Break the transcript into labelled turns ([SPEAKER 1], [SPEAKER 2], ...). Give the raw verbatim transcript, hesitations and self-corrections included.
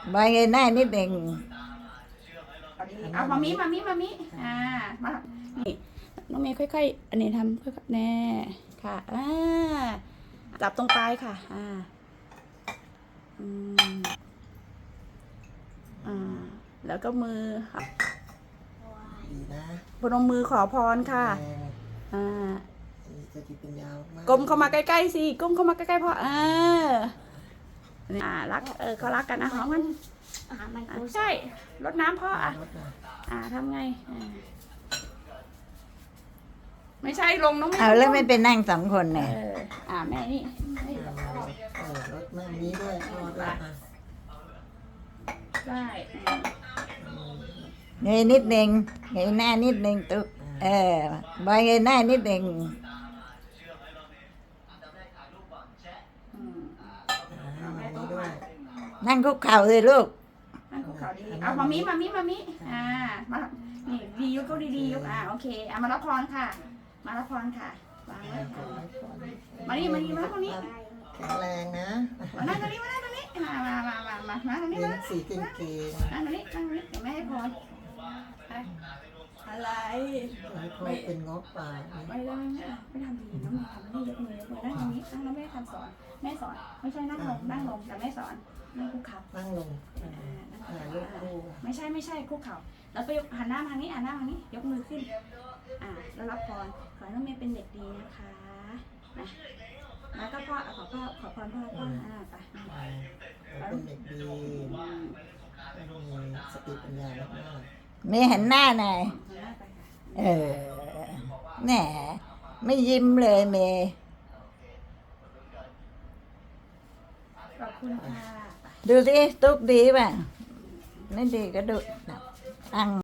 [SPEAKER 1] ใบเงยหน้านิดหนึ่ง
[SPEAKER 2] เอาดีเอามามิมามิมามิอ่ามานี่น้องเมย์ค่อยๆอันนี้ทำค่อยๆแน่ค่ะอ่าจับตรงปลายค่ะอ่าอืมอ่าแล้วก็มือค่ะ
[SPEAKER 3] ดีนะ
[SPEAKER 2] พนมมือขอพรค่ะ
[SPEAKER 3] แรง
[SPEAKER 2] อ่า
[SPEAKER 3] จะติเป็นยาวมาก
[SPEAKER 2] ก้มเข้ามาใกล้ๆสิก้มเข้ามาใกล้ๆพ่ออ่าอ่ารักเออเขารักกันนะหอมกันอ่าใช่รดน้ำพ่ออ่ะ
[SPEAKER 3] รถนะ
[SPEAKER 2] อ่าทำไงอ่าไม่ใช่ลงน้องไม่
[SPEAKER 1] เอาแล้วไม่ไปนั่งสองคน
[SPEAKER 2] เอ
[SPEAKER 1] เนี่ย
[SPEAKER 2] ออ่าแม่นี่ให้
[SPEAKER 3] เออรถแม่นี้ด้วยพ่อด้วยอ่ะ
[SPEAKER 2] ได้อืม
[SPEAKER 1] เงยนิดหนึ่งเงยหน้านิดหนึ่งตุ๊กเออใบเงยหน้านิดหนึ่ง
[SPEAKER 2] อืม
[SPEAKER 3] อ่าแม่นี้ด้วย
[SPEAKER 1] นั่งคุกเข่าเลยลูก
[SPEAKER 2] นั่นคุกเขาดีเอามามิมามิมามิอ่ามานี่ดียกเขาดีๆยกอ่าโอเคอ่ามารับพรค่ะ มารับพรค่ะวางไว้ค่ะมานี่มานี่มาตรงนี้
[SPEAKER 3] แข็งแรงนะ
[SPEAKER 2] มานั่งตรงนี้มานั่งตรงนี้มามามามามามาตรงนี้
[SPEAKER 3] เรีย
[SPEAKER 2] มาน
[SPEAKER 3] สีเก่ง
[SPEAKER 2] นั่งตรงนี้นั่งตรงนี้เดี๋ยวแม่ให้พรไปอะไร
[SPEAKER 3] ๆให้พ่อเป็นงอกป่า
[SPEAKER 2] ไม่ได้ไม่ไม่ทำดีน้องทำนี่ยกมือยกมือนั่งตรงนี้นั่งแล้วแม่ทำสอนแม่สอนไม่ใช่นั่งลงนั่งลงแต่แม่สอนนั่งคุกเข่า
[SPEAKER 3] นั่งลง
[SPEAKER 2] อ่านั่งคุก
[SPEAKER 3] ถ่าย
[SPEAKER 2] เข่า
[SPEAKER 3] รูปคู่
[SPEAKER 2] ไม่ใช่ไม่ใช่คุกเข่าแล้วก็ยกหันหน้ามาทางนี้หันหน้ามาทางนี้ยกมือขึ้นอ่าแล้วรับพรขอให้น้องเมย์เป็นเด็กดีนะคะนะแล้วก็พ่อขอพ่อขอพรพ่อพ่ออ่าไป
[SPEAKER 3] เราเป็นเด็กดีไม่มีสติปัญญามาก
[SPEAKER 1] เมย์หันหน้าหน่อย
[SPEAKER 2] หันหน้าไปค่ะ
[SPEAKER 1] เออแหมไม่ยิ้มเลยเมย์
[SPEAKER 2] ขอบคุณค่ะ
[SPEAKER 1] ดูสิตุ๊กดีป่ะไม่ดีก็ดูตั้ง